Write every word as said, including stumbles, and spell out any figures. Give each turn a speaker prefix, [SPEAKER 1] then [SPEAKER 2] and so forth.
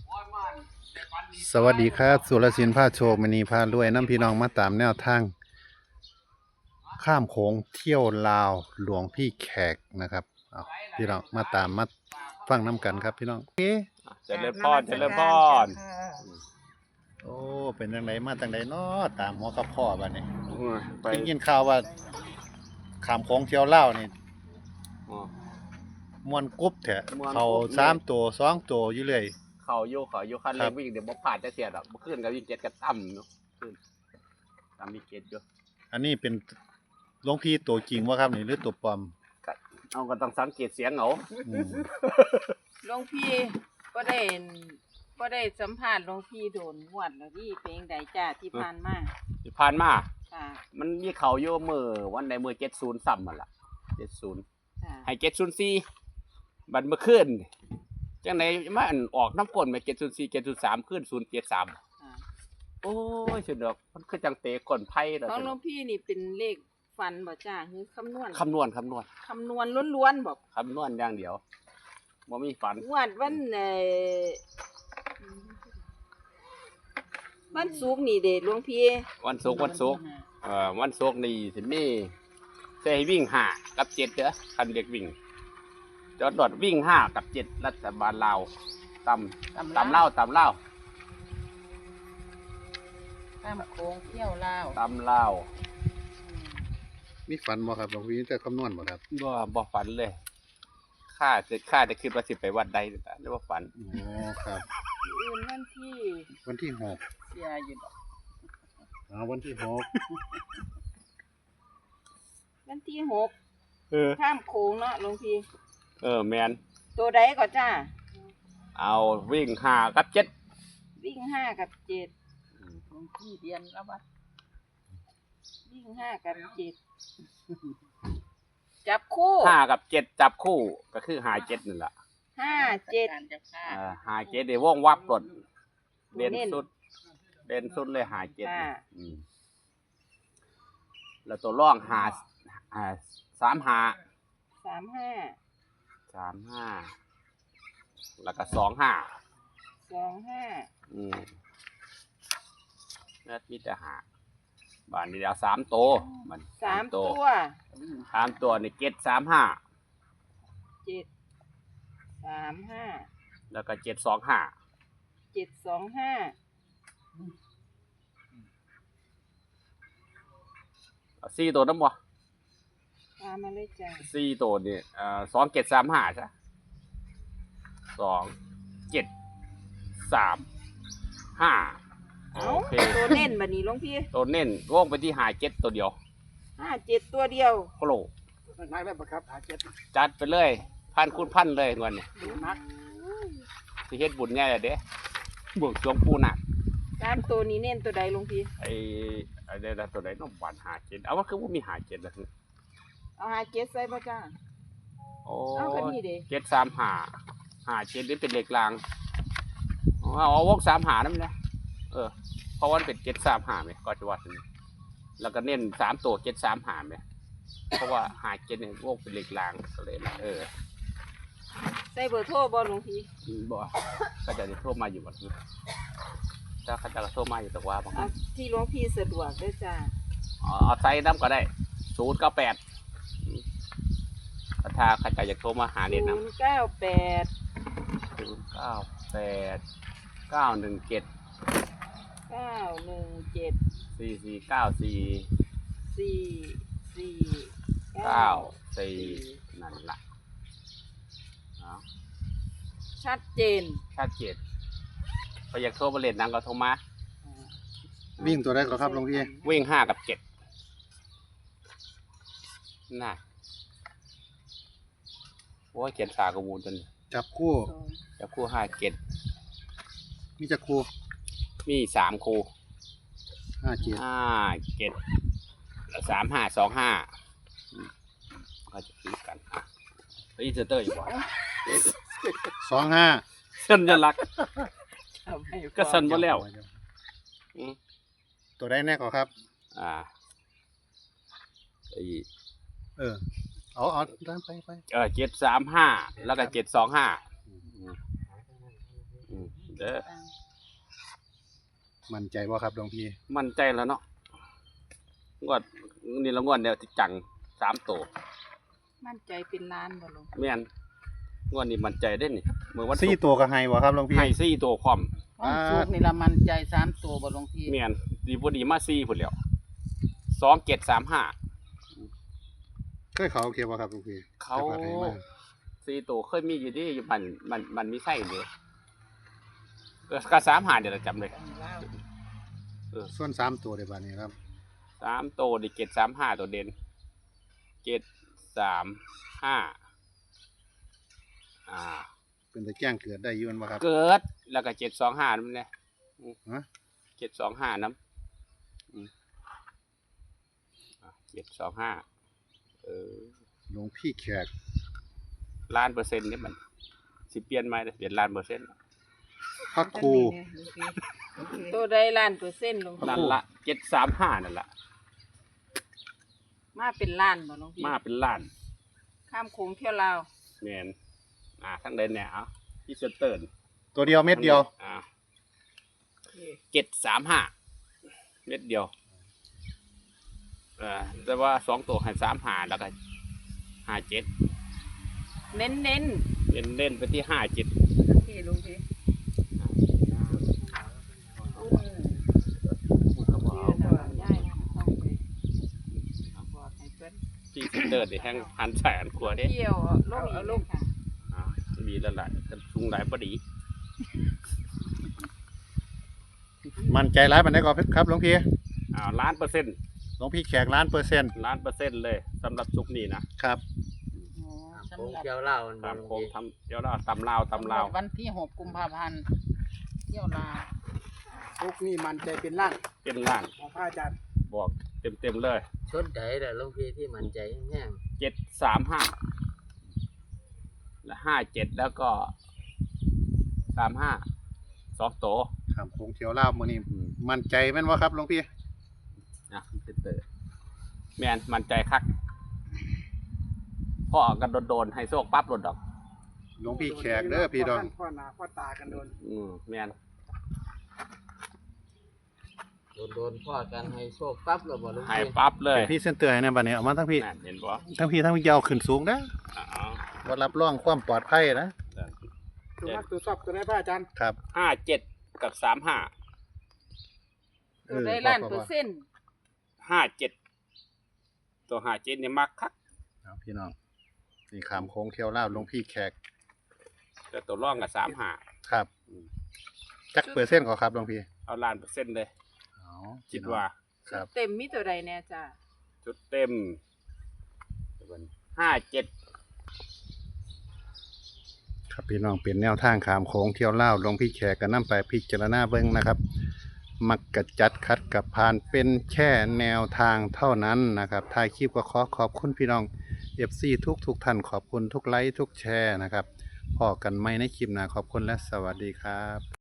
[SPEAKER 1] สวัสดีครับสุรศิลป์พาโชคมณีพารวยน้ำพี่น้องมาตามแนวทางข้ามโขงเที่ยวลาวหลวงพี่แขกนะครับเอาพี่น้องมาตามมาฟังน้ำกันครับพี่น้องเอ๊ะ
[SPEAKER 2] เจริญพรเจริญพร
[SPEAKER 1] โอ้เป็นจังไดมาจังไดเนาะตามหัวกับพ่อบัดนี้
[SPEAKER 2] ไป
[SPEAKER 1] ได้ยินข่าวว่าข้ามโขงเที่ยวลาวนี่
[SPEAKER 2] อ๋อ
[SPEAKER 1] ม่วนกรุ๊บแท้
[SPEAKER 2] ม่วนกรุ๊บ
[SPEAKER 1] เขาสามตัวสองตัวอยู่เลย
[SPEAKER 2] เขาโยกเขาโยกคัน
[SPEAKER 1] ครั
[SPEAKER 2] เร่
[SPEAKER 1] บ
[SPEAKER 2] งวิ่งเดี๋ยวบ่ผ่านจะเสียดอกเมื่อคืนกับวิ่งเจ็ดกับต่ำเนาะขึ้นต่ำมีเจ็ดอยู่
[SPEAKER 1] อันนี้เป็นหลวงพี่ตัวจริงวะครับนี่หรือตัวปลอม
[SPEAKER 2] ก็เอาก็ต้องสังเกตเสียงเอา
[SPEAKER 1] อืม
[SPEAKER 3] หลวงพี่ก็ได้ก็ได้สัมภาษณ์หลวงพี่โดนงวดแล้วที่เพลงใดจ้าที่ผ่านมา
[SPEAKER 2] ที่ผ่านมา
[SPEAKER 3] ค่ะ
[SPEAKER 2] มันมีเขาโยมือวันใดมือเจ็ดศูนย์ซ้ำมันล่ะเจ็ดศูนย์
[SPEAKER 3] ค่ะ
[SPEAKER 2] ให้เจ็ดศูนย์สี่บัดเมื่อคืนจังไหนมาอันออกน้ำกลนมาเจ็ดศูนย์สี่เจ็ดศูนย์สามขึ้นศูนย์เจ็ดสาม
[SPEAKER 3] ค่ะ
[SPEAKER 2] โอ้ยสุดดอกมันคือจังเตะก้นไพ่แล้ว
[SPEAKER 3] ของหลวงพี่นี่เป็นเลขฟันบ่จ้าคือคำนวณ
[SPEAKER 2] คำนวณคำนวณ
[SPEAKER 3] คำนวณล้วนๆบอก
[SPEAKER 2] คำนวณอย่างเดียวบ่มีฝัน
[SPEAKER 3] งวดวันเอ่อวันศุกร์นี่เด้หลวงพี่
[SPEAKER 2] วันศุกร์วันศุกร์เอ่อวันศุกร์นี่สิมีใส่วิ่งห้ากับเจ็ดเด้อคันเด็กวิ่งจอดรถวิ่งห้ากับเจ็ดรัฐบาลลาวตำตำเล่าวตำเล่าว
[SPEAKER 3] ข้ามโค้งเที่ยวลาว
[SPEAKER 2] ตำเล่าว
[SPEAKER 1] มีฝันบ่ครับหลวงพี่แต่คำนวณบ่ครับ
[SPEAKER 2] บ่บ่ฝันเลยข้าจะข้าจะคิดว่าสิไปวัดใดแต่ไม่ว่าฝัน
[SPEAKER 1] อ๋อครับ
[SPEAKER 3] อื่นวันที่
[SPEAKER 1] วันที่หก
[SPEAKER 3] เสียอยู่ดอก
[SPEAKER 1] อ๋อวันที่หก
[SPEAKER 3] วันที่หก
[SPEAKER 2] เออ
[SPEAKER 3] ข้ามโค้งเนาะหลวงพี่
[SPEAKER 2] เออแมน
[SPEAKER 3] ตัวใดก็จ้า
[SPEAKER 2] เอาวิ่งห้ากับเจ็ด
[SPEAKER 3] วิ่งห้ากับเจ็ดหลวงพี่เรียนแล้ววัดวิ่งห้ากับเจ็ดจับคู่
[SPEAKER 2] ห้ากับเจ็ดจับคู่ก็คือหาเจ็ดนั่นแหละ
[SPEAKER 3] ห้าเจ็ด
[SPEAKER 2] เออหาเจ็ดเดี๋ยวว่องวับกดเด่นสุดเด่นสุดเลยหาเจ็ดนี่อืมแล้วตัวร่องหาอ่าสามหา
[SPEAKER 3] สามห้า
[SPEAKER 2] สามห้าแล้วก็สองห้า
[SPEAKER 3] สองห้า
[SPEAKER 2] อืมนั่นมีแต่หาบ้านนี้เอาสามโตวมัน
[SPEAKER 3] สามตัว
[SPEAKER 2] สามตัวนี่เจ็ดสามห้า
[SPEAKER 3] เจ็ดสามห้า
[SPEAKER 2] แล้วก็เจ็ดสองห้า
[SPEAKER 3] เจ็ดสองห้า
[SPEAKER 2] สี่ตัวน้ำบ่
[SPEAKER 3] ตามมาเลยจ้ะ
[SPEAKER 2] สี่ตัวนี่เอ่อสองเจ็ดสามห้าใช่สองเจ็ดสามห้า
[SPEAKER 3] เอา
[SPEAKER 2] โอเค
[SPEAKER 3] ตัวเน้นบัดนี้หลวงพี่
[SPEAKER 2] ตัวเน้นว่องไปที่หาเจ็ดตัวเดียว
[SPEAKER 3] ห้าเจ็ดตัวเดียว
[SPEAKER 2] โคโล
[SPEAKER 4] นักได้ปะครับหาเจ็ด
[SPEAKER 2] จัดไปเลยพันคูณพันเลยเงินนี่
[SPEAKER 4] นัก
[SPEAKER 2] สิเฮ็ดบุญง่ายเลยเด้บวกจวงปูหนัก
[SPEAKER 3] สามตัวนี้เน้นตัวใดหลวงพี่
[SPEAKER 2] ไอ้ไอ้เดี๋ยวตัวไหนน้องหวานหาเจ็ดเอาว่าคือว่ามีหาเจ็ดแล้ว
[SPEAKER 3] เอาห้าเจ็ดใส่บ่จ้า
[SPEAKER 2] โอ้
[SPEAKER 3] เอาก็นี่เด้
[SPEAKER 2] เจ็ดสามหาหาเจ็ดนี่เป็นเหล็กรางเอาเอาวงสามหานั่นแหละเออเพราะว่ามันเป็นเจ็ดสามหาไหมก็จะว่าถึงแล้วก็เน้นสามตัวเจ็ดสามหาไหมเพราะว่าหาเจ็ดเนี่ยวงเป็นเหล็กรางก็เลยนะเออ
[SPEAKER 3] ใส่เบอร์โทรบ่หลวงพี่
[SPEAKER 2] บ่ก็จะได้โทรมาอยู่แบบนี้ถ้าเขาจะโทรมาอยู่แต่ว่าบาง
[SPEAKER 3] เอาที่หลวงพี่สะดวกเด้อจ้า
[SPEAKER 2] เอาเอาไซส์น้ำก็ได้ศูนย์เก้าแปดถ้าเขาจะอยากโทรมาหา
[SPEAKER 3] ศู
[SPEAKER 2] เน็ต
[SPEAKER 3] น
[SPEAKER 2] นะ
[SPEAKER 3] ย์เก้าแปด
[SPEAKER 2] ศูนย์เก้าแปดเก้าหนึ่งเจ็ด
[SPEAKER 3] เก้าหนึ่งเจ็ด
[SPEAKER 2] สี่สี่เก้าสี่
[SPEAKER 3] สี่สี่
[SPEAKER 2] เก้าสี่นั่นละเอา
[SPEAKER 3] ชัดเจน
[SPEAKER 2] ชัดเจนพออยากโทรมาเล่นนังก็โทรมา
[SPEAKER 1] วิ่งตัวใดก็ครับหลวงพี่
[SPEAKER 2] วิ่งห้ากับเจ็ดน่ะโอ้ยเขียนสากระมูลจน
[SPEAKER 1] จับคู่
[SPEAKER 3] สอง
[SPEAKER 2] จะคู่ห้าเจ็ด
[SPEAKER 1] มีจักคู่
[SPEAKER 2] มีสามคู่
[SPEAKER 1] ห้าเจ็ด
[SPEAKER 2] ห้าเจ็ดแล้วสามห้าสองห้าก็จะคิดกันอ่ะแล้วอีเซอร์เตอร์อยู่บ่
[SPEAKER 1] สองห้า
[SPEAKER 2] สัญลักษณ์
[SPEAKER 3] เอาไป
[SPEAKER 2] ก็สั่นบ่แล้วอืม
[SPEAKER 1] ตัวใดแน่ก็ครับ
[SPEAKER 2] อ่าไอ้
[SPEAKER 1] เออเอาเอาตามไปไป
[SPEAKER 2] เออเจ็ดสามห้าแล้วก็เจ็ดสองห้าเด้อ
[SPEAKER 1] มั่นใจบ่ครับหลวงพี่
[SPEAKER 2] มั่นใจแล้วเนาะงวดนี่ละงวดเดียวที่จังสามตัว
[SPEAKER 3] มั่นใจเป็นล้านบ่หลวง
[SPEAKER 2] แม่นงวดนี้มั่นใจได้นี่เมื่อวันศุ
[SPEAKER 1] สี่
[SPEAKER 2] กร์
[SPEAKER 1] ตัวก็ให้บ่ครับหลวงพี่
[SPEAKER 2] ให้สี่ตัวพร้อม
[SPEAKER 3] วันศุกร์นี่ละมั่นใจสามตัวบ่หลวงพี่
[SPEAKER 2] แม่นดีบ่ดีมาสี่พุ่นแล้วสองเจ็ดสามห้า
[SPEAKER 1] เคยเขาโอเคบ่ครับหลวงพี่
[SPEAKER 2] เขา
[SPEAKER 1] จักรพรรดิให้มา
[SPEAKER 2] สี่ตัวเคยมีอยู่ที่อยู่มันมันมันมีไส้เลยเออก็สามหาเดี๋ยวเราจำเลย
[SPEAKER 1] ส่วนสามตัวได้บัดนี้ครับ
[SPEAKER 2] สามตัวดิเจ็ดสามห้าตัวเด่นเจ็ดสามห้าอ่า
[SPEAKER 1] เป็นตะแจ้งเกิดได้อยืนบ่ครับ
[SPEAKER 2] เกิดแล้วก็เจ็ดสองห้านั่นแหละ
[SPEAKER 1] ฮะ
[SPEAKER 2] เจ็ดสองห้าน้ำอืมเจ็ดสองห้าเออ
[SPEAKER 1] หลวงพี่แขก
[SPEAKER 2] ล้านเปอร์เซ็นต์นี่มันสิเปลี่ยนไหมเปลี่ยนล้านเปอร์เซ็นต์
[SPEAKER 1] พระครู
[SPEAKER 3] ตัวใดล้านเปอร์เซ็นต์หลวงพี่
[SPEAKER 2] นั่นละเจ็ดสามห้านั่นละ
[SPEAKER 3] มาเป็นล้านบ่หลวงพี่
[SPEAKER 2] มาเป็นล้าน
[SPEAKER 3] ข้ามโขงเที่ยวลาว
[SPEAKER 2] แมนอ่าทั้งเดินเนี่ยเอาที่เซนเตอร์
[SPEAKER 1] ตัวเดียวเม็ดเดียว
[SPEAKER 2] อ่าเจ็ดสามห้าเม็ดเดียวเออแต่ว่าสองตัวให้สามหาแล้วก็ห้าเจ็ด
[SPEAKER 3] เน้นเน้น
[SPEAKER 2] เล่นเล่นไปที่ห้าเจ็ด
[SPEAKER 3] พี่หลวงพี่
[SPEAKER 2] ที่เซนเตอร์นี่แห้งพันแสนกว่าเด้
[SPEAKER 3] เที่ยวลงอีกลงค่ะ
[SPEAKER 2] อ่ามีแล้วล่ะแต่ชุงหลายพอดี
[SPEAKER 1] มั่นใจร้ายปานใดก็ครับหลวงพี่
[SPEAKER 2] อ่าล้านเปอร์เซ็นต์
[SPEAKER 1] หลวงพี่แขกล้านเปอร์เซ็นต์
[SPEAKER 2] ล้านเปอร์เซ็นต์เลยสำหรับซุกนี้นะครับ
[SPEAKER 3] สำ
[SPEAKER 5] โค้ง
[SPEAKER 3] หรับ
[SPEAKER 5] เที่ยวเล่ามัน
[SPEAKER 2] ตาม
[SPEAKER 5] บ่
[SPEAKER 2] โค้ง
[SPEAKER 5] ลง
[SPEAKER 2] ทำเดี๋ยวเราตำลาวตำลาว
[SPEAKER 3] วันที่หกกุมภาพันธ์เที่ยวลาว
[SPEAKER 4] ทุกนี่มันใจเป็นล้าน
[SPEAKER 2] เป็นล้าน
[SPEAKER 4] ของพระอาจารย์
[SPEAKER 2] บอกเต็มเต็มๆเลย
[SPEAKER 5] ชุดใดล่ะหลวงพี่ที่มั่นใจแห้ง
[SPEAKER 2] เจ็ดสามห้าและห้าเจ็ดแล้วก็สามห้าสองโต
[SPEAKER 1] ครับโค้งเที่ยวลาวมื้อนี้มั่นใจแม่นบ่ครับหลวงพี่
[SPEAKER 2] นะเซนเตอร์แมนมันใจคักพ่อกันโดนๆให้โชคปั๊บหลดดอก
[SPEAKER 1] หลวงพี่แขกเด้อพี่ดอง
[SPEAKER 4] พ่อหน้าพ่อตากันโดน
[SPEAKER 2] อืมแมน
[SPEAKER 5] ๆโดนๆพ่อกันให้โชคปั๊บแล้วบ่หลวง
[SPEAKER 2] ให้
[SPEAKER 5] พี่
[SPEAKER 2] ปั๊บเลย
[SPEAKER 1] เป็นพี่เส้นเตือนให้แนะบัดนี้เอามาทั้งพี่
[SPEAKER 2] นั่นเห็นบ่
[SPEAKER 1] ทั้งพี่ทั้งพี่ยาวขึ้นสูงนะ
[SPEAKER 2] อ๋อ
[SPEAKER 1] บ่รับรองความปลอดภัยนะ
[SPEAKER 4] ตัวมักตัวชอบตัวไหนพระอาจารย์
[SPEAKER 1] ครับ
[SPEAKER 2] ห้าเจ็ดกับสามห้า
[SPEAKER 3] ตัวใดล้านเปอร์เซ็นต์
[SPEAKER 2] ห้าเจ็ดตัวห้าเจ็ดเนี่ยมักคัก
[SPEAKER 1] เอาพี่น้องนี่ขามโค้งเที่ยวลาวหลวงพี่แขก
[SPEAKER 2] แต่ตัวร่องกับสามห้า
[SPEAKER 1] ครับจักเปอร์เซ็นต์ก็ครับหลวงพี่
[SPEAKER 2] เอาล้านเปอร์เซ็นต์เลย
[SPEAKER 1] อ๋อ
[SPEAKER 2] คิดว่า
[SPEAKER 1] ครับ
[SPEAKER 3] เต็มมีตัวใดแน่จ้า
[SPEAKER 2] ชุดเต็มห้าเจ็ด
[SPEAKER 1] ครับพี่น้องเป็นแนวทางขามโค้งเที่ยวลาวหลวงพี่แขกก็นำไปพิจารณาเบิ่งนะครับ มักกะจัดคัดกับผ่านเป็นแค่แนวทางเท่านั้นนะครับท้ายคลิปก็ขอขอบคุณพี่น้อง เอฟ ซี ทุกทุกท่านขอบคุณทุกไลค์ทุกแชร์นะครับพอกันไหมในคลิปหน้าขอบคุณและสวัสดีครับ